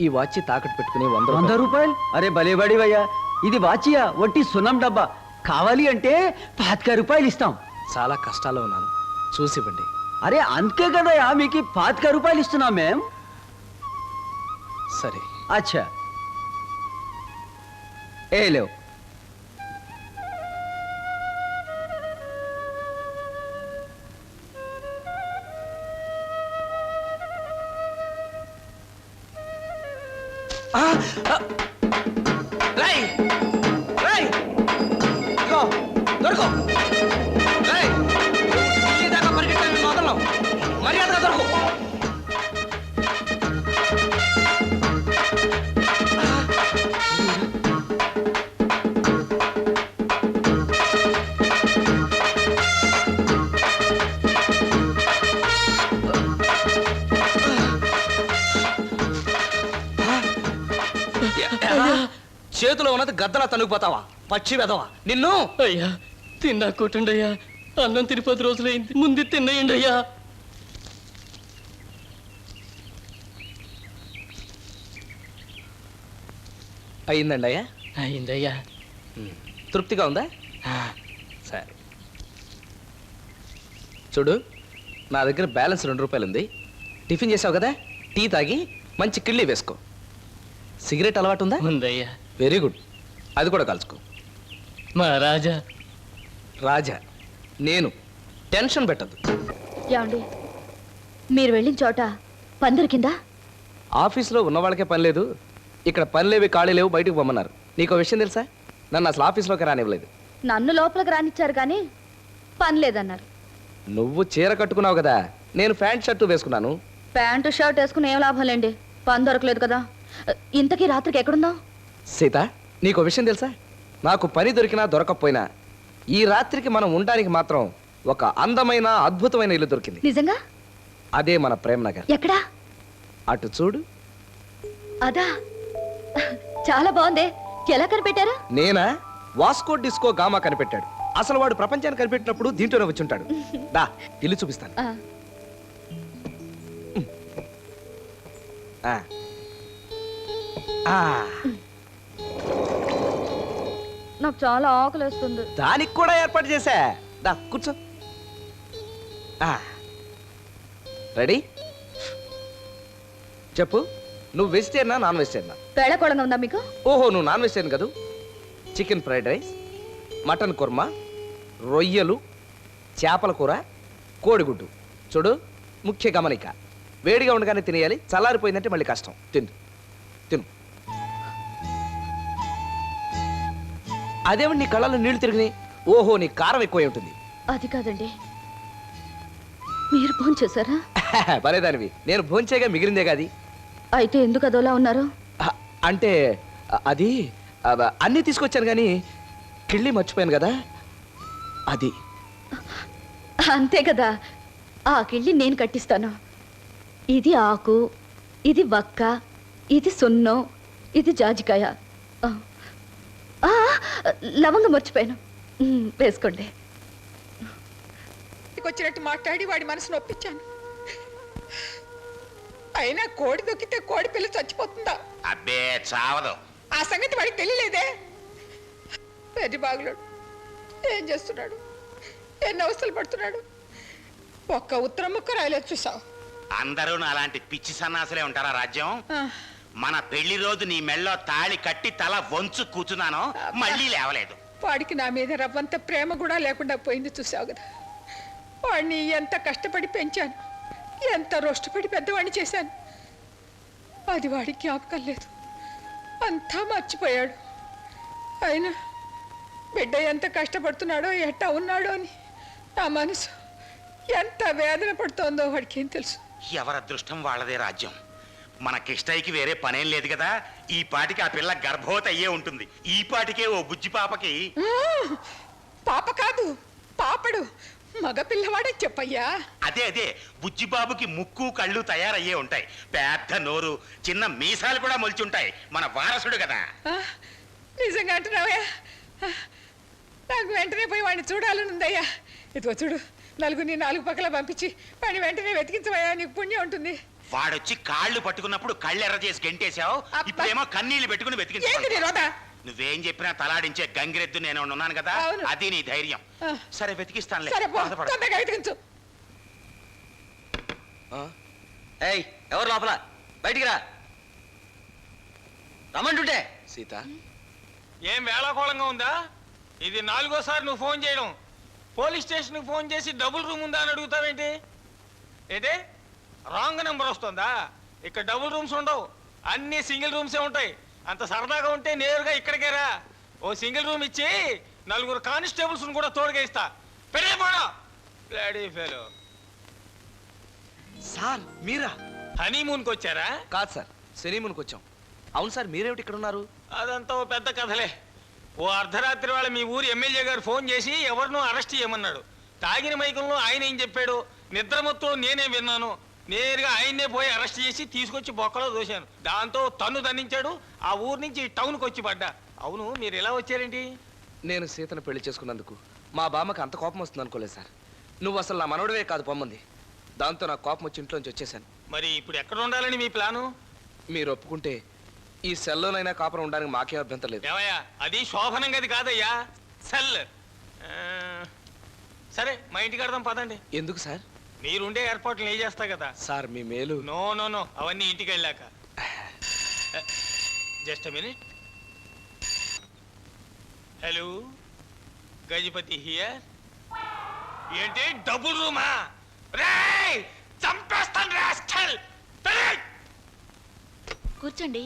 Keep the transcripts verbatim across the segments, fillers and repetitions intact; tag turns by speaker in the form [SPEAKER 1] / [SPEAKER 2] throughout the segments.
[SPEAKER 1] ఈ వాచ్ తాకట్టు పెట్టుకుని వంద
[SPEAKER 2] వంద రూపాయలు? అరే భలేబడివయ్యా, ఇది వాచియా వట్టి సున్నం డబ్బా. కావాలి అంటే పాతిక రూపాయలు ఇస్తాం.
[SPEAKER 1] చాలా కష్టాల్లో ఉన్నాను, చూసివ్వండి.
[SPEAKER 2] అరే అందుకే కదయా మీకు పాతిక రూపాయలు ఇస్తున్నాం మేం.
[SPEAKER 1] సరే.
[SPEAKER 2] అచ్చా ఏ లేవు.
[SPEAKER 1] దొరకో దాకా పరిగెట్టాను, మొదలు మర్యాదగా దొరకు. చేతిలో ఉన్నది గద్దలా తనుగుపోతావా పచ్చి వెదవా నిన్ను.
[SPEAKER 3] అయ్యా తిన్నా కొట్టండి అయ్యా, అన్నం తిని పది రోజులైంది, ముందు తిన్నయండి అయ్యా.
[SPEAKER 1] అయిందండి అయ్యా?
[SPEAKER 3] అయిందయ్యా.
[SPEAKER 1] తృప్తిగా ఉందా? సరే చూడు, నా దగ్గర బ్యాలెన్స్ రెండు రూపాయలు ఉంది. టిఫిన్ చేసావు కదా, టీ తాగి మంచి కిళ్ళి వేసుకో. సిగరెట్ అలవాటు ఉందా?
[SPEAKER 3] ఉందయ్యా.
[SPEAKER 1] వెరీ గుడ్, అది కూడా కలుసుకో.
[SPEAKER 3] మా రాజా.
[SPEAKER 1] రాజా నేను, టెన్షన్ పెట్టద్దు.
[SPEAKER 4] ఏమండి, మీరు వెళ్ళిన చోట పని దొరికిందా?
[SPEAKER 1] ఆఫీస్లో ఉన్న వాళ్ళకే పని లేదు, ఇక్కడ పని లేవి ఖాళీ లేవు, బయటకు పొమ్మన్నారు. నీకు విషయం తెలుసా? నన్ను అసలు ఆఫీస్లోకి రానివ్వలేదు.
[SPEAKER 4] నన్ను లోపలికి రానిచ్చారు కానీ పని లేదన్నారు.
[SPEAKER 1] నువ్వు చీర కట్టుకున్నావు కదా, నేను ప్యాంట్ షర్టు వేసుకున్నాను.
[SPEAKER 4] ప్యాంటు షర్ట్ వేసుకుని ఏం లాభం లేండి, పని దొరకలేదు కదా. ఇంతకీ రాత్రికి ఎక్కడుందాం?
[SPEAKER 1] సీత, నీకు విషయం తెలుసా? నాకు పని దొరికినా దొరకకపోయినా ఈ రాత్రికి మనం ఉండడానికి మాత్రం ఒక అందమైన అద్భుతమైన ఇల్లు దొరికింది.
[SPEAKER 4] నిజంగా?
[SPEAKER 1] అదే మన ప్రేమ్ నగర్.
[SPEAKER 4] ఎక్కడా?
[SPEAKER 1] అటు చూడు.
[SPEAKER 4] అదా, చాలా బాగుంది. ఎలా కనిపెట్టారు?
[SPEAKER 1] నేనా? వాస్కో డిస్కో గామా కనిపెట్టాడు. అసలు వాడు ప్రపంచాన్ని కనిపెట్టినప్పుడు దీంట్లోనే వచ్చి ఉంటాడు. దా ఇల్లు చూపిస్తాను.
[SPEAKER 4] ఆ,
[SPEAKER 1] ఆ. ఆ.
[SPEAKER 4] నాకు చాలా ఆకలిస్తుంది.
[SPEAKER 1] దానికి కూడా ఏర్పాటు చేశా. దా కూర్చో. ఆ. రెడీ? చెప్పు, నువ్వు వెజిటేరియనా నాన్ వెజిటేరియనా?
[SPEAKER 4] వేళకోళంగా ఉందా మీకు?
[SPEAKER 1] ఓహో, నువ్వు నాన్ వెజిటేరియన్ కదూ. Chicken fried rice, mutton kurma, రొయ్యలు, చేపల కూర, కోడిగుడ్డు. చూడు, ముఖ్య గమనిక, వేడిగా ఉండగానే తినేయాలి, చల్లారిపోయిందంటే మళ్ళీ కష్టం. తిను తిను. అదేమిటి నీ కళ్ళలో నీళ్లు తిరిగినాయి? ఓహో, నీ కారం ఎక్కువై ఉంటుంది.
[SPEAKER 4] అది కాదండి, మీరు ఫోన్ చేశారా?
[SPEAKER 1] పరేదానివి, నేను భోంచేగా మిగిలిందే కాది.
[SPEAKER 4] అయితే ఎందుకు అదోలా ఉన్నారు?
[SPEAKER 1] అ- అంటే అ- అది అ- అన్నీ తీసుకొచ్చాను కానీ కిళ్ళి మర్చిపోయాను కదా, అది.
[SPEAKER 4] అంతే కదా, ఆ కిళ్ళి నేను కట్టిస్తాను. ఇది ఆకు, ఇది వక్క, ఇది సున్నం, ఇది జాజికాయ. ఆ, ఆ, లవంగం మర్చిపోయాను. ఉమ్, వేసుకోండి.
[SPEAKER 5] వచ్చినట్టు మాట్లాడి వాడి మనసు నొప్పించాను. అయినా కోడి దొక్కితే కోడి పిల్ల చచ్చిపోతుందా?
[SPEAKER 6] అబ్బే చావదు.
[SPEAKER 5] ఆ సంగతి వాడికి తెలియలేదే. పెద్ద బాగులోడు ఏం చేస్తున్నాడు, ఎన్ని అవస్థలు పడుతున్నాడు. ఒక్క ఉత్తరం ముక్క రాయలేదు చూసావు.
[SPEAKER 6] అందరూ అలాంటి పిచ్చి సన్నాసులే ఉంటారా రాజ్యం? మన పెళ్లి రోజు నీ మెళ్ళో తాళి కట్టి తల వంచు కూర్చున్నాను, మళ్ళీ లేవలేదు.
[SPEAKER 5] వాడికి నా మీద రవ్వంత ప్రేమ కూడా లేకుండా పోయింది చూసావు కదా. వాడిని ఎంత కష్టపడి పెంచాను, ఎంత రోష్టపడి పెద్దవాడిని చేశాను. అది వాడికి జ్ఞాపకం లేదు, అంతా మర్చిపోయాడు. అయినా బిడ్డ ఎంత కష్టపడుతున్నాడో, ఎట్టా ఉన్నాడో అని నా మనసు ఎంత వేదన పడుతోందో వాడికి ఏం తెలుసు.
[SPEAKER 6] ఎవరి అదృష్టం వాళ్ళదే రాజ్యం. మన కిష్టయ్యకి వేరే పనేం లేదు కదా, ఈ పాటికి ఆ పిల్ల గర్భవతి అయ్యే ఉంటుంది. ఈ పాటికే ఓ బుజ్జి పాపకి.
[SPEAKER 5] పాప కాదు, పాపడు, మగ పిల్లవాడే చెప్పయ్యా.
[SPEAKER 6] అదే అదే బుజ్జిబాబుకి ముక్కు కళ్ళు తయారయ్యే ఉంటాయి, పెద్ద నోరు, చిన్న మీసాలు కూడా మొలిచుంటాయి. మన వారసుడు కదా.
[SPEAKER 5] నిజంగా అంటున్నావయ్యా? నాకు వెంటనే పోయి వాడిని చూడాలని ఉందయ్యా. ఇదిగో చూడు, నలుగురిని నాలుగు పక్కల పంపించి వాడిని వెంటనే వెతికించవయ్యా, నీకు పుణ్యం ఉంటుంది.
[SPEAKER 6] వాడొచ్చి కాళ్ళు పట్టుకున్నప్పుడు కళ్ళు ఎర్ర చేసి గెంటేశావు.
[SPEAKER 5] అబ్బా.
[SPEAKER 6] ఇప్పుడేమో కన్నీళ్లు పెట్టుకుని
[SPEAKER 5] ఏంటి నీ
[SPEAKER 6] వెతికి
[SPEAKER 5] రోత?
[SPEAKER 6] నువ్వేం చెప్పినా తలాడించే గంగిరెద్దు నేను ఉన్నాను కదా,
[SPEAKER 5] అవును.
[SPEAKER 6] అది నీ ధైర్యం.
[SPEAKER 5] ఆ.
[SPEAKER 6] సరే వెతికిస్తానులే,
[SPEAKER 5] సరే పో,
[SPEAKER 6] బాధపడకు.
[SPEAKER 5] తొందరగా వెతికించు.
[SPEAKER 2] ఏయ్ ఎవరు లోపల? బయటికి రా. రమ్మంటుంటే
[SPEAKER 1] సీత,
[SPEAKER 7] ఏం వేళాకోళంగా ఉందా? ఇది నాలుగోసారి నువ్వు ఫోన్ చేయడం. పోలీస్ స్టేషన్కి ఫోన్ చేసి డబుల్ రూమ్ ఉందా అని అడుగుతావేంటి? ఏంటి రాంగ్ నెంబర్ వస్తుందా? ఇక్కడ డబుల్ రూమ్స్ ఉండవు, అన్ని సింగిల్ రూమ్సే ఉంటాయి. అంత సరదాగా ఉంటే నేరుగా ఇక్కడికే రా. ఓ సింగిల్ రూమ్ ఇచ్చి నలుగురు కానిస్టేబుల్స్ కూడా తోడుగా ఇస్తా. పెళ్ళి పోడా లేడీ ఫెలో.
[SPEAKER 1] సార్ మీరా?
[SPEAKER 7] హనీమూన్కి వచ్చారా?
[SPEAKER 1] కాదు సార్, సినిమాకి వచ్చాం. అవును సార్, మీరేమిటి ఇక్కడ ఉన్నారు?
[SPEAKER 7] అదంతా ఓ పెద్ద కథలే. ఓ అర్ధరాత్రి వేళ మీ ఊరు ఎమ్మెల్యే గారు ఫోన్ చేసి ఎవరినో అరెస్ట్ చేయమన్నాడు. తాగిన మైకంలో ఆయన ఏం చెప్పాడు, నిద్ర మొత్తం నేనే విన్నాను. నేరుగా ఆయన్నే పోయి అరెస్ట్ చేసి తీసుకొచ్చి బొక్కలో దోశాను. దాంతో తన్ను దండించాడు. ఆ ఊరు నుంచి టౌన్కి వచ్చి పడ్డా. అవును, మీరు ఎలా వచ్చారేంటి?
[SPEAKER 1] నేను సీతను పెళ్లి చేసుకున్నందుకు మా బామ్మకి అంత కోపం వస్తుంది అనుకోలేదు సార్. నువ్వు అసలు నా మనవడవే కాదు పొమ్మంది. దాంతో నాకు కోపం వచ్చి ఇంట్లోంచి వచ్చేసాను.
[SPEAKER 7] మరి ఇప్పుడు ఎక్కడ ఉండాలని మీ ప్లాను?
[SPEAKER 1] మీరు ఒప్పుకుంటే ఈ సెల్లోనైనా కాపురం ఉండడానికి మాకేం అభ్యంతరం లేదు.
[SPEAKER 7] ఏమయ్యా, అది శోభనం గది కాదయ్యా, సెల్. ఆ, సరే మా ఇంటికి కడదాం పదండి.
[SPEAKER 1] ఎందుకు సార్?
[SPEAKER 7] మీరుండే ఏర్పాట్లు నేను చేస్తా కదా.
[SPEAKER 1] సార్ మీ మేలు.
[SPEAKER 7] నో నో నో అవన్నీ ఇంటికి వెళ్ళాక. Just minute. Hello, Gajapati here. ఏంటి డబుల్ రూమా? రేయ్ చంపేస్తాను రాస్కల్.
[SPEAKER 4] కూర్చోండి.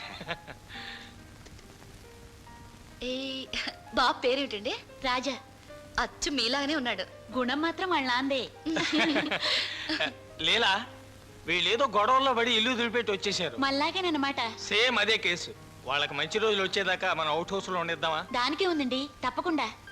[SPEAKER 4] ఏ బాబు పేరేమిటండి? రాజా. అచ్చు మీలాగానే ఉన్నాడు. గుణం మాత్రం వాళ్ళ నాందే.
[SPEAKER 7] లేలా, వీళ్ళేదో గొడవల్లో పడి ఇల్లు దులిపెట్టి వచ్చేసారు.
[SPEAKER 4] మళ్ళాగేనమాట.
[SPEAKER 7] సేమ్ అదే కేసు. వాళ్ళకి మంచి రోజులు వచ్చేదాకా మనం అవుట్ హౌస్ లో ఉండేద్దామా?
[SPEAKER 4] దానికే ఉందండి, తప్పకుండా.